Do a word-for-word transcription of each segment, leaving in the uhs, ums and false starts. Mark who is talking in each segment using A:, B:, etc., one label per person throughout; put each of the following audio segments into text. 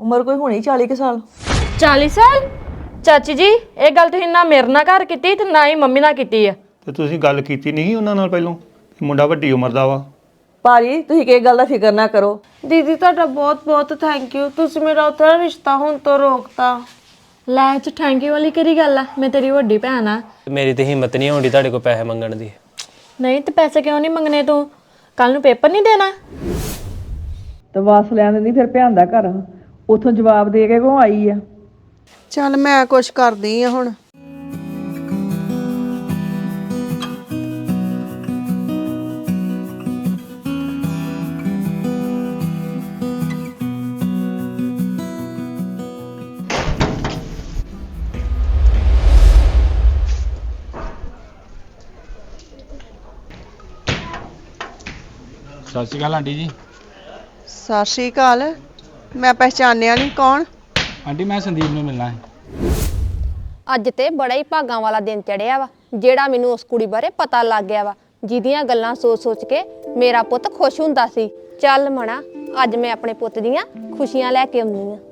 A: ਉਮਰ ਕੋਈ ਹੋਣੀ ਚਾਲੀ ਕੁ ਸਾਲ।
B: ਚਾਲੀ ਸਾਲ? ਚਾਚੀ ਜੀ ਇਹ ਗੱਲ ਤੁਸੀਂ ਨਾ ਮੇਰੇ ਨਾਲ ਘਰ ਕੀਤੀ ਤੇ ਨਾ ਹੀ ਮੰਮੀ ਨਾਲ ਕੀਤੀ ਆ।
C: ਤੇ ਤੁਸੀਂ ਗੱਲ ਕੀਤੀ ਨਹੀਂ ਉਹਨਾਂ ਨਾਲ ਪਹਿਲਾਂ? ਮੁੰਡਾ ਵੱਡੀ ਉਮਰ ਦਾ ਵਾ।
A: ਭਾਜੀ ਤੁਸੀਂ ਕਿਸ ਗੱਲ ਦਾ ਫਿਕਰ ਨਾ ਕਰੋ।
D: ਦੀਦੀ ਤੁਹਾਡਾ ਬਹੁਤ ਬਹੁਤ ਥੈਂਕ ਯੂ, ਤੁਸੀਂ ਮੇਰਾ ਉਤਰਾ ਰਿਸ਼ਤਾ ਹੁਣ ਤੋਂ ਰੋਕਤਾ।
B: ਲੈ ਚ ਥੈਂਕ ਯੂ ਵਾਲੀ ਕਿਹੜੀ ਗੱਲ ਆ, ਮੈਂ ਤੇਰੀ ਵੱਡੀ ਭੈਣ ਆ।
E: ਮੇਰੀ ਤੇ ਹਿੰਮਤ ਨਹੀਂ ਹੁੰਦੀ ਤੁਹਾਡੇ ਕੋਲ ਪੈਸੇ ਮੰਗਣ ਦੀ।
B: ਨਹੀਂ ਤੇ ਪੈਸੇ ਕਿਉਂ ਨਹੀਂ ਮੰਗਨੇ ਤੂੰ? ਕੱਲ ਨੂੰ ਪੇਪਰ ਨਹੀਂ ਦੇਣਾ?
A: ਤੇ ਵਾਸ ਲੈਣ ਦਿੰਦੀ ਫਿਰ ਭੈਣ ਦਾ ਘਰ, ਉਥੋਂ ਜਵਾਬ ਦੇ ਕੇ ਕੋ ਆਈ ਆ।
D: ਚੱਲ ਮੈਂ ਕੁਛ ਕਰਦੀ ਆ ਹੁਣ।
F: ਸਤਿ ਸ਼੍ਰੀ ਅਕਾਲ ਆਂਟੀ ਜੀ।
D: ਸਤਿ ਸ਼੍ਰੀ ਅਕਾਲ। ਮੈਂ ਪਹਿਚਾਨਿਆ ਨਹੀਂ, ਕੌਣ?
F: ਆਂਟੀ ਮੈਂ ਸੰਦੀਪ ਨੂੰ ਮਿਲਣਾ ਹੈ।
G: ਅੱਜ ਤੇ ਬੜਾ ਹੀ ਭਾਗਾਂ ਵਾਲਾ ਦਿਨ ਚੜਿਆ ਵਾ, ਜਿਹੜਾ ਮੈਨੂੰ ਉਸ ਕੁੜੀ ਬਾਰੇ ਪਤਾ ਲੱਗ ਗਿਆ ਵਾ, ਜਿਹਦੀਆਂ ਗੱਲਾਂ ਸੋਚ-ਸੋਚ ਕੇ ਮੇਰਾ ਪੁੱਤ ਖੁਸ਼ ਹੁੰਦਾ ਸੀ। ਚੱਲ ਮਣਾ, ਅੱਜ ਮੈਂ ਆਪਣੇ ਪੁੱਤ ਦੀਆਂ ਖੁਸ਼ੀਆਂ ਲੈ ਕੇ ਆਉਂਦੀ ਆ।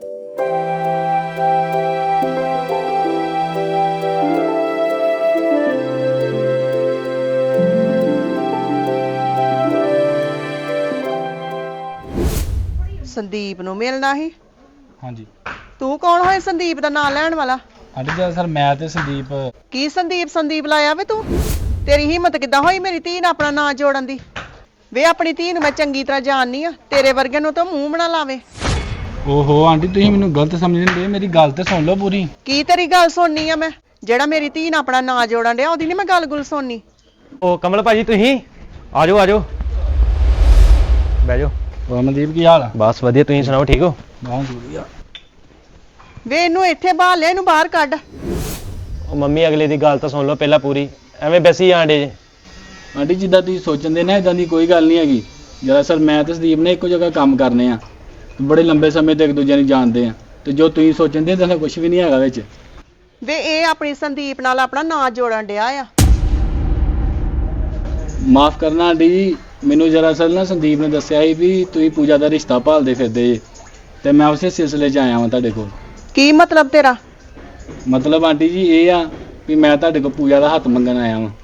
D: ਸੰਦੀਪ ਨੂੰ ਮਿਲਣਾ ਸੀ?
F: ਹਾਂਜੀ।
D: ਤੂੰ ਕੌਣ ਹੋਏ ਸੰਦੀਪ ਦਾ ਨਾਂ ਲੈਣ ਵਾਲਾ?
F: ਆਂਟੀ ਜੀ ਸਰ ਮੈਂ ਤੇ ਸੰਦੀਪ।
D: ਕੀ ਸੰਦੀਪ ਸੰਦੀਪ ਲਾਇਆ ਵੇ ਤੂੰ? ਤੇਰੀ ਹਿੰਮਤ ਕਿੱਦਾਂ ਹੋਈ ਮੇਰੀ ਧੀ ਨਾਲ ਆਪਣਾ ਨਾਂ ਜੋੜਨ ਦੀ? ਵੇ ਆਪਣੀ ਧੀ ਨੂੰ ਮੈਂ ਚੰਗੀ ਤਰ੍ਹਾਂ ਜਾਣਨੀ ਆ, ਤੇਰੇ ਵਰਗੇ ਨੂੰ ਤਾਂ ਮੂੰਹ ਬਣਾ ਲਾਵੇ।
F: ਓਹੋ ਆਂਟੀ ਤੁਸੀਂ ਮੈਨੂੰ ਗਲਤ ਸਮਝਦੇ, ਮੇਰੀ ਗੱਲ ਤੇ ਸੁਣ ਲਓ ਪੂਰੀ।
D: ਕੀ ਤੇਰੀ ਗੱਲ ਸੁਣਨੀ ਆ ਮੈਂ? ਜਿਹੜਾ ਮੇਰੀ ਧੀ ਨਾਲ ਆਪਣਾ ਨਾਂ ਜੋੜਨ ਡਿਆ ਉਹਦੀ ਨਹੀਂ ਮੈਂ ਗੱਲ ਗੁੱਲ ਸੁਣਨੀ।
E: ਉਹ ਕਮਲ ਭਾਜੀ ਤੁਸੀਂ ਆ ਜਾਓ ਆ ਜਾਓ ਬਹਿ ਜਾਓ।
F: ਹੋਰ ਮਨਦੀਪ ਕੀ ਹਾਲ ਆ?
E: ਬਸ ਵਧੀਆ, ਤੁਸੀਂ ਸੁਣਾਓ ਠੀਕ ਹੋ?
F: ਬਹੁਤ ਵਧੀਆ।
D: ਵੇ ਇਹਨੂੰ ਇੱਥੇ ਬਾਹਰ ਲੈ, ਇਹਨੂੰ ਬਾਹਰ ਕੱਢ।
E: ਉਹ ਮੰਮੀ ਅਗਲੇ ਦੀ ਗੱਲ ਤਾਂ ਸੁਣ ਲਓ ਪਹਿਲਾਂ ਪੂਰੀ, ਐਵੇਂ ਬੈਸੀ ਆਂਡੇ ਜੇ।
F: ਆਂਟੀ ਜਿੱਦਾਂ ਤੁਸੀਂ ਸੋਚਣ ਦੇ ਨਾ ਇਦਾਂ ਦੀ ਕੋਈ ਗੱਲ ਨਹੀਂ ਹੈਗੀ। ਦਰਅਸਲ ਮੈਂ ਤੇ ਸੰਦੀਪ ਨੇ ਇੱਕੋ ਜਗ੍ਹਾ ਕੰਮ ਕਰਨੇ ਆ, ਬੜੇ ਲੰਬੇ ਸਮੇਂ ਤੋਂ ਇੱਕ ਦੂਜੇ ਨੂੰ ਜਾਣਦੇ ਆ, ਤੇ ਜੋ ਤੁਸੀਂ ਸੋਚਣ ਦੇ ਤਾਂ ਕੁਝ ਵੀ ਨਹੀਂ ਹੈਗਾ ਵਿੱਚ।
D: ਵੇ ਇਹ ਆਪਣੀ ਸੰਦੀਪ ਨਾਲ ਆਪਣਾ ਨਾਂ ਜੋੜਨ ਡਿਆ ਆ।
F: ਮਾਫ ਕਰਨਾ ਆਂਟੀ ਜੀ, ਮੈਨੂੰ ਦਰਅਸਲ ਨਾ ਸੰਦੀਪ ਨੇ ਦੱਸਿਆ ਸੀ ਵੀ ਤੁਸੀਂ ਪੂਜਾ ਦਾ ਰਿਸ਼ਤਾ ਭਾਲਦੇ ਫਿਰਦੇ ਜੇ, ਤੇ ਮੈਂ ਉਸੇ ਸਿਲਸਿਲੇ 'ਚ ਆਇਆ ਹਾਂ ਤੁਹਾਡੇ ਕੋਲ।
D: ਕੀ ਮਤਲਬ ਤੇਰਾ?
F: ਮਤਲਬ ਆਂਟੀ ਜੀ ਇਹ ਆ ਵੀ ਮੈਂ ਤੁਹਾਡੇ ਕੋਲ ਪੂਜਾ ਦਾ ਹੱਥ ਮੰਗਣ ਆਇਆ ਵਾਂ।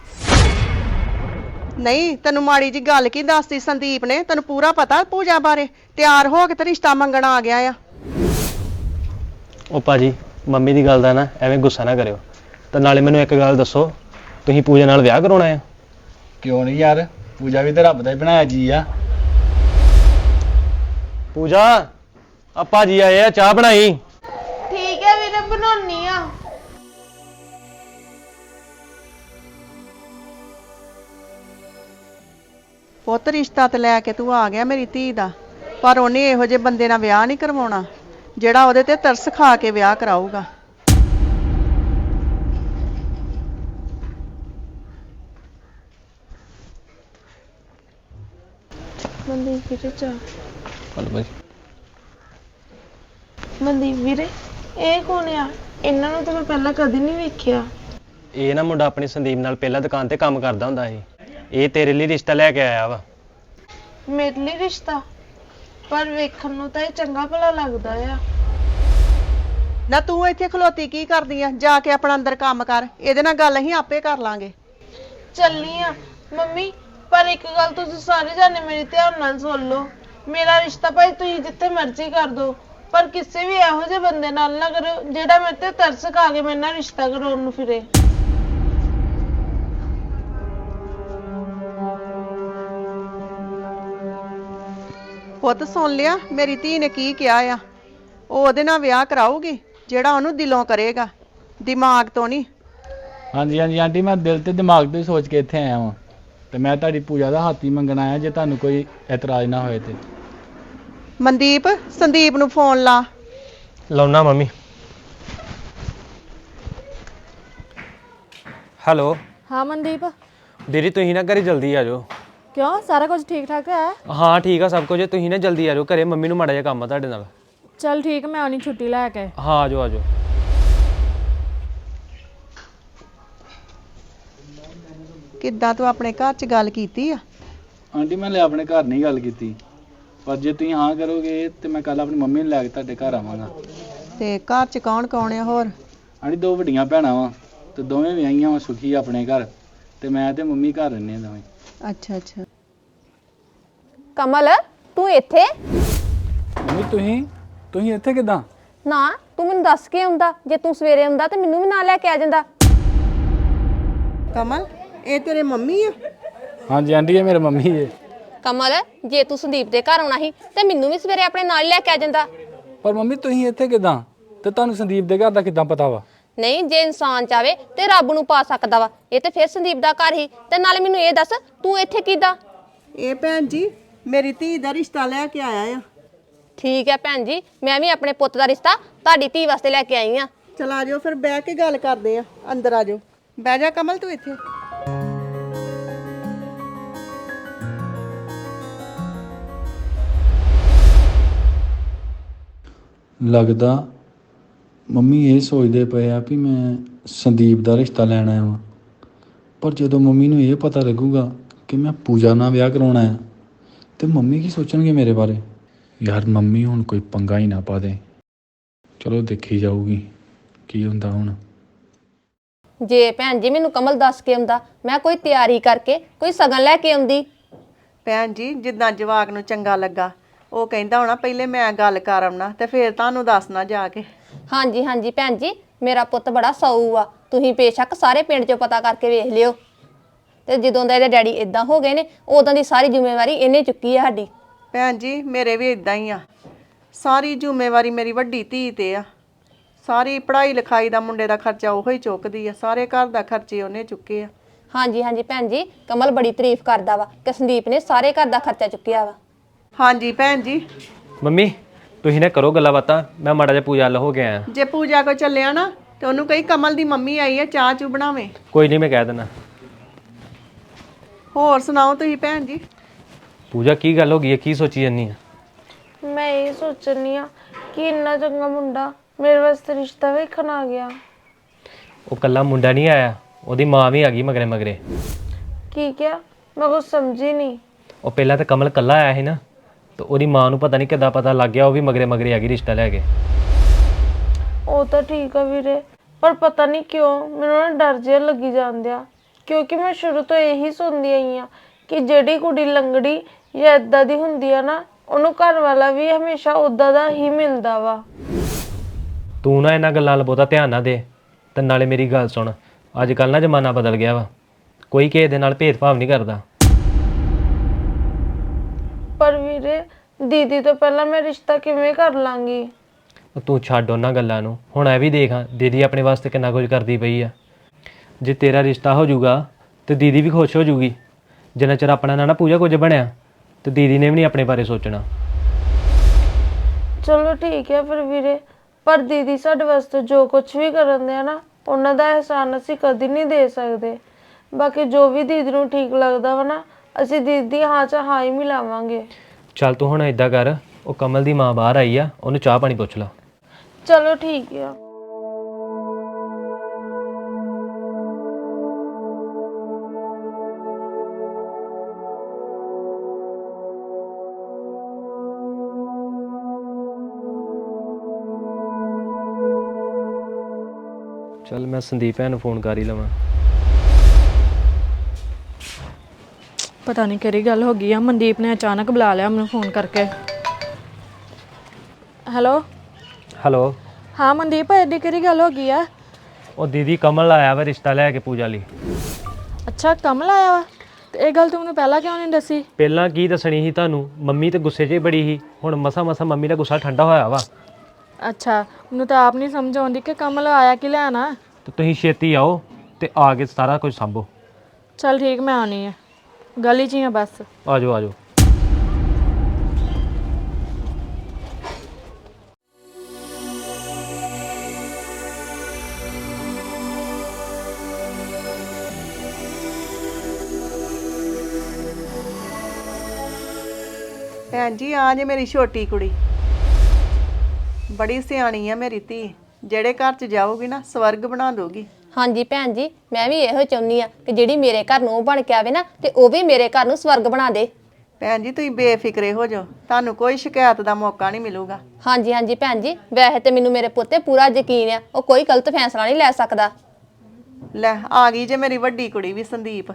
D: ਨਹੀਂ ਤੈਨੂੰ ਮਾੜੀ ਜੀ ਗੱਲ ਕੀ ਦੱਸਦੀ ਸੰਦੀਪ ਨੇ? ਤੈਨੂੰ ਪੂਰਾ ਪਤਾ ਪੂਜਾ ਬਾਰੇ? ਤਿਆਰ ਹੋ ਕੇ ਤੇ ਰਿਸ਼ਤਾ ਮੰਗਣ ਆ ਗਿਆ ਆ।
E: ਉਹ ਭਾਜੀ ਮੰਮੀ ਦੀ ਗੱਲ ਦਾ ਨਾ ਐਵੇਂ ਗੁੱਸਾ ਨਾ ਕਰਿਓ, ਤੇ ਨਾਲੇ ਮੈਨੂੰ ਇੱਕ ਗੱਲ ਦੱਸੋ, ਤੁਸੀਂ ਪੂਜਾ ਨਾਲ ਵਿਆਹ ਕਰਾਉਣਾ ਆ?
F: ਕਿਉਂ ਨਹੀਂ ਯਾਰ, ਪੂਜਾ ਵੀ ਤੇ ਰੱਬ ਦਾ ਹੀ ਬਣਾਇਆ ਜੀ ਆ।
E: ਪੂਜਾ ਆ ਭਾਜੀ ਆਏ ਆ, ਚਾਹ ਬਣਾਈ।
D: ਠੀਕ ਹੈ ਵੀਰੇ, ਬਣਾਉਣੀ ਆ। ਪੁੱਤ ਰਿਸ਼ਤਾ ਤੇ ਲੈ ਕੇ ਤੂੰ ਆ ਗਿਆ ਮੇਰੀ ਧੀ ਦਾ, ਪਰ ਉਹਨੇ ਇਹੋ ਜਿਹੇ ਬੰਦੇ ਨਾਲ ਵਿਆਹ ਨਹੀਂ ਕਰਵਾਉਣਾ ਜਿਹੜਾ ਉਹਦੇ ਤੇ ਤਰਸ ਖਾ ਕੇ ਵਿਆਹ ਕਰਾਊਗਾ।
H: ਮਨਦੀਪ ਵੀਰੇ ਚਾਹ।
E: ਹਲੋ ਭਾਈ।
H: ਮਨਦੀਪ ਵੀਰੇ ਇਹ ਕੌਣ ਆ? ਇਹਨਾਂ ਨੂੰ ਤਾਂ ਮੈਂ ਪਹਿਲਾਂ ਕਦੇ ਨਹੀਂ ਵੇਖਿਆ।
E: ਇਹ ਨਾ ਮੁੰਡਾ ਆਪਣੀ ਸੰਦੀਪ ਨਾਲ ਪਹਿਲਾਂ ਦੁਕਾਨ ਤੇ ਕੰਮ ਕਰਦਾ ਹੁੰਦਾ ਸੀ, ਇਹ ਤੇਰੇ ਲਈ ਰਿਸ਼ਤਾ ਲੈ ਕੇ ਆਇਆ ਵਾ।
H: ਮੇਰੇ ਲਈ ਰਿਸ਼ਤਾ? ਪਰ ਵੇਖਣ ਨੂੰ ਤਾਂ ਇਹ ਚੰਗਾ ਭਲਾ ਲੱਗਦਾ ਆ।
D: ਨਾ ਤੂੰ ਇੱਥੇ ਖਲੋਤੀ ਕੀ ਕਰਦੀ ਆ? ਜਾ ਕੇ ਆਪਣਾ ਅੰਦਰ ਕੰਮ ਕਰ, ਇਹਦੇ ਨਾਲ ਗੱਲ ਅਸੀਂ ਆਪੇ ਕਰ ਲਾਂਗੇ।
H: ਚੱਲਨੀ ਆ ਮੰਮੀ, ਪਰ ਇੱਕ ਗੱਲ ਤੁਸੀਂ ਸਾਰੇ ਜਾਣੇ ਮੇਰੀ ਧਿਆਨ ਨਾਲ ਸੁਣ ਲਓ। ਮੇਰਾ ਰਿਸ਼ਤਾ ਭਾਈ ਤੁਸੀਂ ਜਿੱਥੇ ਮਰਜ਼ੀ ਕਰ ਦਿਓ, ਪਰ ਕਿਸੇ ਵੀ ਇਹੋ ਜਿਹੇ ਬੰਦੇ ਨਾਲ ਨਾ ਕਰੋ ਜਿਹੜਾ ਮੇਰੇ ਤੇ ਤਰਸ ਖਾ ਕੇ ਮੇਰੇ ਨਾਲ ਰਿਸ਼ਤਾ ਕਰਾਉਣ ਨੂੰ ਫਿਰੇ।
D: ਪੁੱਤ ਸੁਣ ਲਿਆ ਮੇਰੀ ਧੀ ਨੇ ਕੀ ਕਿਹਾ ਆ? ਉਹ ਉਹਦੇ ਨਾਲ ਵਿਆਹ ਕਰਾਊਗੀ ਜਿਹੜਾ ਉਹਨੂੰ ਦਿਲੋਂ ਕਰੇਗਾ, ਦਿਮਾਗ ਤੋਂ ਨਹੀਂ।
F: ਹਾਂਜੀ ਹਾਂਜੀ ਆਂਟੀ, ਮੈਂ ਦਿਲ ਤੇ ਦਿਮਾਗ ਤੋਂ ਹੀ ਸੋਚ ਕੇ ਇੱਥੇ ਆਇਆ ਵਾਂ, ਤੇ ਮੈਂ ਤੁਹਾਡੀ ਪੂਜਾ ਦਾ ਹੱਥ ਹੀ ਮੰਗਣ ਆਇਆ, ਜੇ ਤੁਹਾਨੂੰ ਕੋਈ ਇਤਰਾਜ਼ ਨਾ ਹੋਏ ਤੇ।
D: ਮਨਦੀਪ ਸੰਦੀਪ ਨੂੰ ਫੋਨ ਲਾ।
E: ਲਾਉਣਾ ਮੰਮੀ। ਹੈਲੋ।
B: ਹਾਂ ਮਨਦੀਪ।
E: ਦੀਦੀ ਤੁਸੀਂ ਨਾ ਘਰੇ ਜਲਦੀ ਆ ਜਾਓ।
B: ਕਿਉਂ, ਸਾਰਾ ਕੁਝ ਠੀਕ ਠਾਕ ਹੈ?
E: ਹਾਂ ਠੀਕ ਆ ਸਭ ਕੁਝ, ਤੁਸੀਂ ਨਾ ਜਲਦੀ ਆ ਜਾਓ ਘਰੇ, ਮੰਮੀ ਨੂੰ ਮਾੜਾ ਜਿਹਾ ਕੰਮ ਆ ਤੁਹਾਡੇ ਨਾਲ।
B: ਚੱਲ ਠੀਕ, ਮੈਂ ਆਉਣੀ ਛੁੱਟੀ ਲੈ ਕੇ।
E: ਹਾਂ ਆ ਜਾਓ ਆ ਜਾਓ।
D: ਕਿੱਦਾਂ ਤੂੰ ਆਪਣੇ ਘਰ 'ਚ ਗੱਲ ਕੀਤੀ ਆ?
F: ਆਂਟੀ ਮੈਂ ਲੈ ਆਪਣੇ ਘਰ ਨਹੀਂ ਗੱਲ ਕੀਤੀ, ਪਰ ਜੇ ਤੁਸੀਂ ਹਾਂ ਕਰੋਗੇ ਤੇ ਮੈਂ ਕੱਲ ਆਪਣੀ ਮੰਮੀ ਨੂੰ ਲੈ ਕੇ ਤੁਹਾਡੇ ਘਰ ਆਵਾਂਗਾ।
D: ਤੇ ਘਰ ਚ ਕੌਣ ਕੌਣ ਆ ਹੋਰ?
F: ਆੜੀ ਦੋ ਵੱਡੀਆਂ ਭੈਣਾਂ ਵਾ ਤੇ ਦੋਵੇਂ ਵਿਆਹੀਆਂ ਵਾ ਸੁਖੀ ਆਪਣੇ ਘਰ, ਤੇ ਮੈਂ ਤੇ ਮੰਮੀ ਘਰ ਰਹਿੰਦੇ ਆ ਦੋਵੇਂ।
D: ਅੱਛਾ ਅੱਛਾ।
G: ਕਮਲ ਤੂੰ ਇੱਥੇ?
F: ਮੰਮੀ ਤੁਸੀਂ ਤੁਸੀਂ ਇੱਥੇ ਕਿੱਦਾਂ?
G: ਨਾ ਤੂੰ ਮੈਨੂੰ ਦੱਸ ਕੇ ਆਉਂਦਾ, ਜੇ ਤੂੰ ਸਵੇਰੇ ਆਉਂਦਾ ਤੇ ਮੈਨੂੰ ਵੀ ਨਾਲ ਲੈ ਕੇ ਆ ਜਾਂਦਾ।
D: ਕਮਲ ਇਹ ਤੇਰੇ ਮੰਮੀ ਆ?
F: ਹਾਂਜੀ ਆਂਟੀ ਇਹ ਮੇਰੇ ਮੰਮੀ ਜੇ।
G: ਕਮਲ ਜੇ ਤੂੰ ਸੰਦੀਪ ਦੇ ਘਰ ਆਉਣਾ ਸੀ ਤੇ ਮੈਨੂੰ ਵੀ ਸਵੇਰੇ ਆਪਣੇ ਨਾਲ ਲੈ ਕੇ ਆ ਜਾਂਦਾ।
F: ਪਰ ਮੰਮੀ ਤੁਸੀਂ ਇੱਥੇ ਕਿੱਦਾਂ ਤੇ ਤੁਹਾਨੂੰ ਸੰਦੀਪ ਦੇ ਘਰ ਦਾ ਕਿੱਦਾਂ ਪਤਾ ਵਾ?
G: ਨਹੀਂ ਜੇ ਇਨਸਾਨ ਚਾਵੇ ਤੇ ਰੱਬ ਨੂੰ ਪਾ ਸਕਦਾ ਵਾ। ਇਹ ਤੇ ਫਿਰ ਸੰਦੀਪ ਦਾ ਘਰ ਹੀ। ਤੇ ਨਾਲੇ ਮੈਨੂੰ ਇਹ ਦੱਸ ਤੂੰ ਇੱਥੇ ਕਿੱਦਾਂ?
D: ਇਹ ਭੈਣ ਜੀ ਮੇਰੀ ਧੀ ਦਾ ਰਿਸ਼ਤਾ ਲੈ ਕੇ ਆਇਆ ਆ।
G: ਠੀਕ ਹੈ ਭੈਣ ਜੀ, ਮੈਂ ਵੀ ਆਪਣੇ ਪੁੱਤ ਦਾ ਰਿਸ਼ਤਾ ਤੁਹਾਡੀ ਧੀ ਵਾਸਤੇ ਲੈ ਕੇ ਆਈ ਆ।
D: ਚਲ ਆ ਜਾਓ ਫਿਰ ਬਹਿ ਕੇ ਗੱਲ ਕਰਦੇ ਆ। ਅੰਦਰ ਆ ਜਾਓ। ਬਹਿ ਜਾ ਕਮਲ ਤੂੰ ਇੱਥੇ।
F: ਲੱਗਦਾ ਮੰਮੀ ਇਹ ਸੋਚਦੇ ਪਏ ਆ ਵੀ ਮੈਂ ਸੰਦੀਪ ਦਾ ਰਿਸ਼ਤਾ ਲੈਣ ਆਇਆ ਵਾਂ, ਪਰ ਜਦੋਂ ਮੰਮੀ ਨੂੰ ਇਹ ਪਤਾ ਲੱਗੂਗਾ ਕਿ ਮੈਂ ਪੂਜਾ ਨਾਲ ਵਿਆਹ ਕਰਾਉਣਾ ਆ ਤੇ ਮੰਮੀ ਕੀ ਸੋਚਣਗੇ ਮੇਰੇ ਬਾਰੇ? ਯਾਰ ਮੰਮੀ ਹੁਣ ਕੋਈ ਪੰਗਾ ਹੀ ਨਾ ਪਾ ਦੇ। ਚਲੋ ਦੇਖੀ ਜਾਊਗੀ ਕੀ ਹੁੰਦਾ ਹੁਣ।
G: ਜੇ ਭੈਣ ਜੀ ਮੈਨੂੰ ਕਮਲ ਦੱਸ ਕੇ ਆਉਂਦਾ, ਮੈਂ ਕੋਈ ਤਿਆਰੀ ਕਰਕੇ ਕੋਈ ਸਗਨ ਲੈ ਕੇ ਆਉਂਦੀ।
D: ਭੈਣ ਜੀ ਜਿੱਦਾਂ ਜਵਾਕ ਨੂੰ ਚੰਗਾ ਲੱਗਾ, ਉਹ ਕਹਿੰਦਾ ਹੋਣਾ ਪਹਿਲੇ ਮੈਂ ਗੱਲ ਕਰ ਆਉਣਾ ਤੇ ਫਿਰ ਤੁਹਾਨੂੰ ਦੱਸਣਾ ਜਾ ਕੇ।
G: ਹਾਂਜੀ ਹਾਂਜੀ ਭੈਣ ਜੀ, ਮੇਰਾ ਪੁੱਤ ਬੜਾ ਸਊ ਆ। ਤੁਸੀਂ ਬੇਸ਼ੱਕ ਸਾਰੇ ਪਿੰਡ 'ਚੋਂ ਪਤਾ ਕਰਕੇ ਵੇਖ ਲਿਓ। ਤੇ ਜਦੋਂ ਦਾ ਇਹਦੇ ਡੈਡੀ ਇਦਾਂ ਹੋ ਗਏ ਨੇ, ਉਦੋਂ ਦੀ ਸਾਰੀ ਜ਼ਿੰਮੇਵਾਰੀ ਇਹਨੇ ਚੁੱਕੀ ਆ ਸਾਡੀ।
D: ਭੈਣ ਜੀ ਮੇਰੇ ਵੀ ਇਦਾਂ ਹੀ ਆ। ਸਾਰੀ ਜ਼ਿੰਮੇਵਾਰੀ ਮੇਰੀ ਵੱਡੀ ਧੀ ਤੇ ਆ। ਸਾਰੀ ਪੜ੍ਹਾਈ ਲਿਖਾਈ ਦਾ ਮੁੰਡੇ ਦਾ ਖਰਚਾ ਉਹੋ ਹੀ ਚੁੱਕਦੀ ਆ। ਸਾਰੇ ਘਰ ਦਾ ਖਰਚੇ ਉਹਨੇ ਚੁੱਕੇ ਆ।
G: ਹਾਂਜੀ ਹਾਂਜੀ ਭੈਣ ਜੀ, ਕਮਲ ਬੜੀ ਤਾਰੀਫ ਕਰਦਾ ਵਾ ਕਿ ਸੰਦੀਪ ਨੇ ਸਾਰੇ ਘਰ ਦਾ ਖਰਚਾ ਚੁੱਕਿਆ ਵਾ।
D: ਹਾਂਜੀ ਭੈਣ ਜੀ।
E: ਮੰਮੀ ਤੁਸੀਂ ਨਾ ਕਰੋ ਗੱਲਾਂ ਬਾਤਾਂ, ਮੈਂ ਮਾੜਾ ਜਿਹਾ ਪੂਜਾ ਵੱਲ ਹੋ ਕੇ ਆਇਆ।
D: ਜੇ ਪੂਜਾ ਕੋ ਚੱਲਿਆ ਨਾ ਤੇ ਉਹਨੂੰ ਕਹੀ ਕਮਲ ਦੀ ਮੰਮੀ ਆਈ ਆ, ਚਾਹ ਚੂ ਬਣਾਵੇ।
E: ਕੋਈ ਨਹੀਂ ਮੈਂ ਕਹਿ ਦਿੰਦਾ।
D: ਹੋਰ ਸੁਣਾਓ ਤੁਸੀਂ ਭੈਣ ਜੀ?
E: ਪੂਜਾ ਕੀ ਗੱਲ ਹੋ ਗਈ ਹੈ, ਕੀ ਸੋਚੀ ਜਾਂਦੀ ਆ?
H: ਮੈਂ ਇਹ ਸੋਚਣੀ ਆ ਕਿ ਇੰਨਾ ਚੰਗਾ ਮੁੰਡਾ ਮੇਰੇ ਵਾਸਤੇ ਰਿਸ਼ਤਾ ਵੇਖਣ ਆ ਗਿਆ।
E: ਉਹ ਕੱਲਾ ਮੁੰਡਾ ਨਹੀਂ ਆਇਆ, ਉਹਦੀ ਮਾਂ ਵੀ ਆ ਗਈ ਮਗਰੇ ਮਗਰੇ।
H: ਕੀ ਕਿਹਾ? ਮੈਂ ਕੁਝ ਸਮਝੀ ਨਹੀਂ।
E: ਉਹ ਪਹਿਲਾਂ ਤਾਂ ਕਮਲ ਕੱਲਾ ਆਇਆ ਸੀ ਨਾ, ਤੇ ਉਹਦੀ ਮਾਂ ਨੂੰ ਪਤਾ ਨਹੀਂ ਕਿੱਦਾਂ ਪਤਾ ਲੱਗ ਗਿਆ, ਉਹ ਵੀ ਮਗਰੇ ਮਗਰੇ ਆ ਗਈ ਰਿਸ਼ਤਾ ਲੈ ਕੇ।
H: ਉਹ ਤਾਂ ਠੀਕ ਆ ਵੀਰੇ, ਪਰ ਪਤਾ ਨਹੀਂ ਕਿਉਂ ਮੈਨੂੰ ਨਾ ਡਰ ਜਿਹਾ ਲੱਗੀ ਜਾਂਦਿਆ, ਕਿਉਂਕਿ ਮੈਂ ਸ਼ੁਰੂ ਤੋਂ ਇਹੀ ਸੁਣਦੀ ਆਈ ਆ ਕਿ ਜਿਹੜੀ ਕੁੜੀ ਲੰਗੜੀ ਜਾਂ ਏਦਾਂ ਦੀ ਹੁੰਦੀ ਆ ਨਾ, ਉਹਨੂੰ ਘਰ ਵਾਲਾ ਵੀ ਹਮੇਸ਼ਾ ਉਦਾਂ ਦਾ ਹੀ ਮਿਲਦਾ ਵਾ।
E: ਤੂੰ ਨਾ ਇਹਨਾਂ ਗੱਲਾਂ ਵੱਲ ਬਹੁਤਾ ਧਿਆਨ ਨਾ ਦੇ। ਤੇ ਨਾਲੇ ਮੇਰੀ ਗੱਲ ਸੁਣ, ਅੱਜ ਕੱਲ੍ਹ ਨਾ ਜ਼ਮਾਨਾ ਬਦਲ ਗਿਆ ਵਾ, ਕੋਈ ਕਿਸੇ ਦੇ ਨਾਲ ਭੇਦਭਾਵ ਨਹੀਂ ਕਰਦਾ।
H: ਪਰ ਵੀਰੇ ਦੀਦੀ ਤੋਂ ਪਹਿਲਾਂ ਮੈਂ ਰਿਸ਼ਤਾ ਕਿਵੇਂ ਕਰ ਲਾਂਗੀ?
E: ਤੂੰ ਛੱਡ ਉਹਨਾਂ ਗੱਲਾਂ ਨੂੰ। ਹੁਣ ਇਹ ਵੀ ਦੇਖ, ਦੀਦੀ ਆਪਣੇ ਵਾਸਤੇ ਕਿੰਨਾ ਕੁਝ ਕਰਦੀ ਪਈ ਆ। ਜੇ ਤੇਰਾ ਰਿਸ਼ਤਾ ਹੋ ਜਾਊਗਾ ਤੇ ਦੀਦੀ ਵੀ ਖੁਸ਼ ਹੋ ਜਾਊਗੀ। ਜਿੰਨਾ ਚਿਰ ਆਪਣਾ ਨਾ ਨਾ ਪੂਜਾ ਕੁਝ ਬਣਿਆ ਤੇ ਦੀਦੀ ਨੇ ਵੀ ਨਹੀਂ ਆਪਣੇ ਬਾਰੇ ਸੋਚਣਾ।
H: ਚਲੋ ਠੀਕ ਹੈ ਫਿਰ ਵੀਰੇ, ਪਰ ਦੀਦੀ ਸਾਡੇ ਵਾਸਤੇ ਜੋ ਕੁਝ ਵੀ ਕਰਨ ਦੇ ਆ ਨਾ, ਉਹਨਾਂ ਦਾ ਅਹਿਸਾਨ ਅਸੀਂ ਕਦੀ ਨਹੀਂ ਦੇ ਸਕਦੇ। ਬਾਕੀ ਜੋ ਵੀ ਦੀਦੀ ਨੂੰ ਠੀਕ ਲੱਗਦਾ ਵਾ ਨਾ, ਅਸੀਂ ਦੀਦੀ ਦੀ ਹਾਂ ਚ ਹਾਂ ਹੀ ਮਿਲਾਵਾਂਗੇ।
E: ਚੱਲ ਤੂੰ ਹੁਣ ਏਦਾਂ ਕਰ, ਉਹ ਕਮਲ ਦੀ ਮਾਂ ਬਾਹਰ ਆਈ ਆ, ਉਹਨੂੰ ਚਾਹ ਪਾਣੀ ਪੁੱਛ ਲਾ।
H: ਚਲੋ ਠੀਕ ਆ।
E: ਚੱਲ ਮੈਂ ਸੰਦੀਪ ਭੈਣ ਨੂੰ ਫੋਨ ਕਰ ਹੀ ਲਵਾਂ।
B: ਪਤਾ ਨਹੀਂ ਕਿਹੜੀ ਗੱਲ ਹੋ ਗਈ ਆ, ਮਨਦੀਪ ਨੇ ਅਚਾਨਕ ਬੁਲਾ ਲਿਆ ਮੈਨੂੰ ਫੋਨ ਕਰਕੇ। Hello
E: hello.
B: ਹਾਂ ਮਨਦੀਪ, ਐਡੀ ਕਿਹੜੀ ਗੱਲ ਹੋ ਗਈ ਆ?
E: ਉਹ ਦੀਦੀ ਕਮਲ ਆਇਆ ਵਾ ਰਿਸ਼ਤਾ ਲੈ ਕੇ ਪੂਜਾ ਲਈ।
B: ਅੱਛਾ ਕਮਲ ਆਇਆ ਵਾ? ਤੇ ਇਹ ਗੱਲ ਤੂੰ ਮੈਨੂੰ ਪਹਿਲਾਂ ਕਿਉਂ ਨਹੀਂ ਦੱਸੀ?
E: ਪਹਿਲਾਂ ਕੀ ਦੱਸਣੀ ਸੀ ਤੁਹਾਨੂੰ, ਮੰਮੀ ਤੇ ਗੁੱਸੇ 'ਚ ਹੀ ਬੜੀ ਸੀ। ਹੁਣ ਮਸਾ ਮਸਾ ਮੰਮੀ ਦਾ ਗੁੱਸਾ ਠੰਡਾ ਹੋਇਆ ਵਾ।
B: ਅੱਛਾ ਮੈਨੂੰ ਤਾਂ ਆਪ ਨਹੀਂ ਸਮਝ ਆਉਂਦੀ ਕਿ ਕਮਲ ਆਇਆ ਕਿ ਲੈਣ ਆ।
E: ਤੇ ਤੁਸੀਂ ਛੇਤੀ ਆਓ ਤੇ ਆ ਕੇ ਸਾਰਾ ਕੁਝ ਸੰਭੋ।
B: ਚੱਲ ਠੀਕ, ਮੈਂ ਆਉਣੀ ਆ, ਗਲੀ 'ਚ ਹੀ ਆ ਬਸ।
E: ਆ ਜਾਓ ਆ ਜਾਓ।
D: ਭੈਣ ਜੀ ਆ ਜੇ ਮੇਰੀ ਛੋਟੀ ਕੁੜੀ, ਬੜੀ ਸਿਆਣੀ ਆ ਮੇਰੀ ਧੀ। ਜਿਹੜੇ ਘਰ ਚ ਜਾਊਗੀ ਨਾ ਸਵਰਗ ਬਣਾ ਦੋਗੀ।
G: ਹਾਂਜੀ ਭੈਣ ਜੀ, ਮੈਂ ਵੀ ਇਹੋ ਚਾਹੁੰਦੀ ਆ ਕਿ ਜਿਹੜੀ ਮੇਰੇ ਘਰ ਨੂੰ ਬਣ ਕੇ ਆਵੇ ਨਾ, ਤੇ ਉਹ ਵੀ ਮੇਰੇ ਘਰ ਨੂੰ ਸਵਰਗ ਬਣਾ ਦੇ।
D: ਭੈਣ ਜੀ ਤੁਸੀਂ ਬੇਫਿਕਰੇ ਹੋ ਜਾਓ, ਤੁਹਾਨੂੰ ਕੋਈ ਸ਼ਿਕਾਇਤ ਦਾ ਮੌਕਾ ਨਹੀਂ ਮਿਲੂਗਾ।
G: ਹਾਂਜੀ ਹਾਂਜੀ ਭੈਣ ਜੀ, ਵੈਸੇ ਤੇ ਮੈਨੂੰ ਮੇਰੇ ਪੁੱਤ ਤੇ ਪੂਰਾ ਯਕੀਨ ਆ, ਉਹ ਕੋਈ ਗਲਤ ਫੈਸਲਾ ਨਹੀਂ ਲੈ ਸਕਦਾ।
D: ਲੈ ਆ ਗਈ ਜੇ ਮੇਰੀ ਵੱਡੀ ਕੁੜੀ ਵੀ ਸੰਦੀਪ।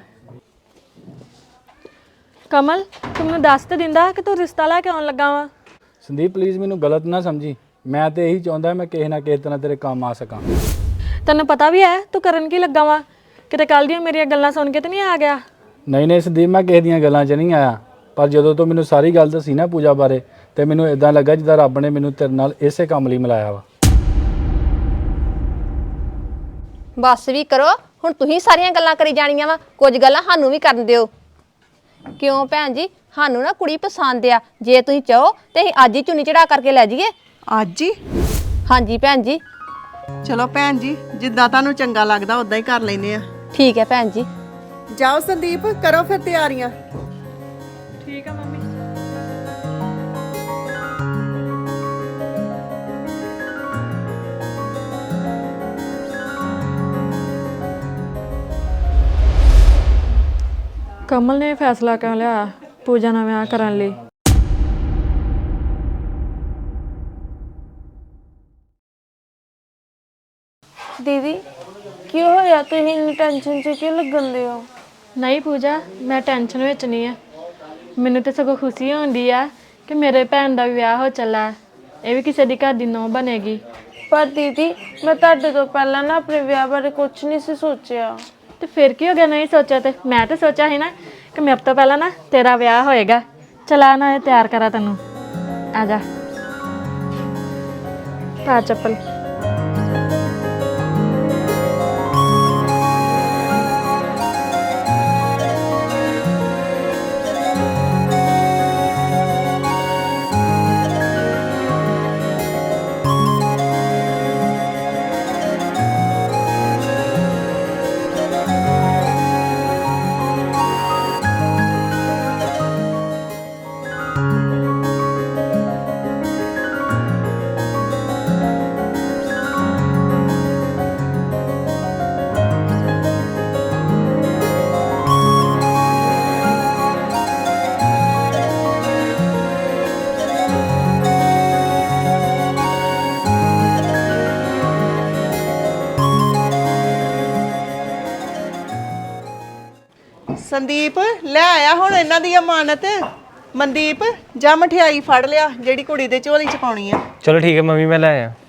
B: ਕਮਲ ਤੂੰ ਮੈਨੂੰ ਦੱਸ ਤੇ ਦਿੰਦਾ ਕਿ ਤੂੰ ਰਿਸ਼ਤਾ ਲੈ ਕੇ ਆਉਣ ਲੱਗਾ ਵਾ।
F: ਸੰਦੀਪ ਪਲੀਜ਼ ਮੈਨੂੰ ਗਲਤ ਨਾ ਸਮਝੀ, ਮੈਂ ਤੇ ਇਹੀ ਚਾਹੁੰਦਾ ਮੈਂ ਕਿਸੇ ਨਾ ਕਿਸੇ ਤਰ੍ਹਾਂ ਤੇਰੇ ਕੰਮ ਆ ਸਕਾਂ।
B: ਤੈਨੂੰ ਪਤਾ ਵੀ ਹੈ ਤੂੰ ਕਰਨ ਕੀ ਲੱਗਾ ਵਾ? ਕਿਤੇ ਕੱਲ ਦੀਆਂ ਮੇਰੀਆਂ ਗੱਲਾਂ ਸੁਣ ਕੇ ਤੇ ਨਹੀਂ ਆ ਗਿਆ?
F: ਨਹੀਂ ਨਹੀਂ ਸੰਦੀਪ, ਮੈਂ ਕਿਸੇ ਦੀਆਂ ਗੱਲਾਂ 'ਚ ਨਹੀਂ ਆਇਆ, ਪਰ ਜਦੋਂ ਤੋਂ ਮੈਨੂੰ ਸਾਰੀ ਗੱਲ ਦੱਸੀ ਨਾ ਪੂਜਾ ਬਾਰੇ, ਤੇ ਮੈਨੂੰ ਇਦਾਂ ਲੱਗਾ ਜਿੱਦਾਂ ਰੱਬ ਨੇ ਮੈਨੂੰ ਤੇਰੇ ਨਾਲ ਇਸੇ ਕੰਮ ਲਈ ਮਿਲਾਇਆ ਵਾ।
G: ਬਸ ਵੀ ਕਰੋ, ਹੁਣ ਤੁਸੀਂ ਸਾਰੀਆਂ ਗੱਲਾਂ ਕਰੀ ਜਾਣੀਆਂ ਵਾ, ਕੁਝ ਗੱਲਾਂ ਸਾਨੂੰ ਵੀ ਕਰਨ ਦਿਓ। ਕਿਉਂ ਭੈਣ ਜੀ, ਸਾਨੂੰ ਨਾ ਕੁੜੀ ਪਸੰਦ ਆ, ਜੇ ਤੁਸੀਂ ਚਾਹੋ ਤੇ ਅਸੀਂ ਅੱਜ ਹੀ ਚੁੰਨੀ ਚੜਾ ਕਰਕੇ ਲੈ ਜਾਈਏ।
D: ਅੱਜ ਹੀ?
G: ਹਾਂਜੀ ਭੈਣ ਜੀ।
D: ਚਲੋ ਭੈਣ ਜੀ, ਜਿੱਦਾਂ ਤੁਹਾਨੂੰ ਚੰਗਾ ਲੱਗਦਾ ਉਦਾਂ ਹੀ ਕਰ ਲੈਨੇ ਆ।
G: ਠੀਕ ਹੈ ਭੈਣ ਜੀ।
D: ਜਾਓ ਸੰਦੀਪ, ਕਰੋ ਫਿਰ ਤਿਆਰੀਆਂ।
B: ਠੀਕ ਆ ਮੰਮੀ। ਕਮਲ ਨੇ ਫੈਸਲਾ ਕਰ ਲਿਆ ਪੂਜਾ ਨਾਲ ਵਿਆਹ ਕਰਨ ਲਈ।
H: ਦੀਦੀ ਕੀ ਹੋਇਆ, ਤੁਸੀਂ ਇੰਨੀ ਟੈਨਸ਼ਨ 'ਚ ਕਿਉਂ ਲੱਗਣ ਦੇ ਹੋ?
B: ਨਹੀਂ ਪੂਜਾ, ਮੈਂ ਟੈਨਸ਼ਨ ਵਿੱਚ ਨਹੀਂ ਆ, ਮੈਨੂੰ ਤੇ ਸਗੋਂ ਖੁਸ਼ੀ ਹੁੰਦੀ ਆ ਕਿ ਮੇਰੇ ਭੈਣ ਦਾ ਵੀ ਵਿਆਹ ਹੋ ਚੱਲਾ, ਇਹ ਵੀ ਕਿਸੇ ਦੀ ਘਰ ਦੀ ਨੂੰਹ ਬਣੇਗੀ।
H: ਪਰ ਦੀਦੀ ਮੈਂ ਤੁਹਾਡੇ ਤੋਂ ਪਹਿਲਾਂ ਨਾ ਆਪਣੇ ਵਿਆਹ ਬਾਰੇ ਕੁਝ ਨਹੀਂ ਸੀ ਸੋਚਿਆ।
B: ਤੇ ਫਿਰ ਕੀ ਹੋ ਗਿਆ ਨਹੀਂ ਸੋਚਿਆ? ਤੇ ਮੈਂ ਤਾਂ ਸੋਚਿਆ ਸੀ ਨਾ ਕਿ ਮੇਰੇ ਤੋਂ ਪਹਿਲਾਂ ਨਾ ਤੇਰਾ ਵਿਆਹ ਹੋਏਗਾ। ਚਲਾ ਨਾ ਇਹ ਤਿਆਰ ਕਰਾਂ ਤੈਨੂੰ, ਆ ਜਾ ਪਾ ਚੱਪਲ।
D: ਸੰਦੀਪ ਲੈ ਆਇਆ ਹੁਣ ਇਹਨਾਂ ਦੀ ਅਮਾਨਤ। ਮਨਦੀਪ ਜਾ ਮਠਿਆਈ ਫੜ ਲਿਆ ਜਿਹੜੀ ਕੁੜੀ ਦੇ ਝੋਲੀ 'ਚ ਪਾਉਣੀ ਆ।
E: ਚਲੋ ਠੀਕ ਹੈ ਮੰਮੀ, ਮੈਂ ਲੈ ਆਇਆ।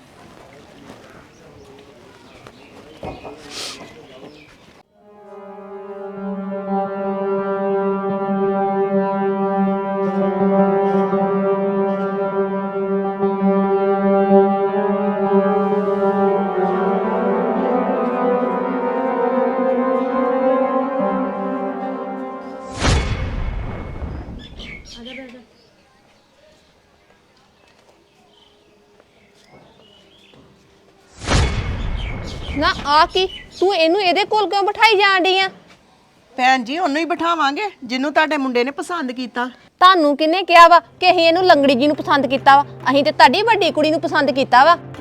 G: ਨਾ ਆ ਕੀ, ਤੂੰ ਇਹਨੂੰ ਇਹਦੇ ਕੋਲ ਕਿਉਂ ਬਿਠਾਈ ਜਾਣ ਡਈ ਆ?
D: ਭੈਣ ਜੀ ਉਹਨੂੰ ਹੀ ਬਿਠਾਵਾਂਗੇ ਜਿਹਨੂੰ ਤੁਹਾਡੇ ਮੁੰਡੇ ਨੇ ਪਸੰਦ ਕੀਤਾ।
G: ਤੁਹਾਨੂੰ ਕਿਹਨੇ ਕਿਹਾ ਵਾ ਕਿ ਅਸੀਂ ਇਹਨੂੰ ਲੰਗੜੀ ਜੀ ਨੂੰ ਪਸੰਦ ਕੀਤਾ ਵਾ? ਅਸੀਂ ਤੇ ਤੁਹਾਡੀ ਵੱਡੀ ਕੁੜੀ ਨੂੰ ਪਸੰਦ ਕੀਤਾ ਵਾ।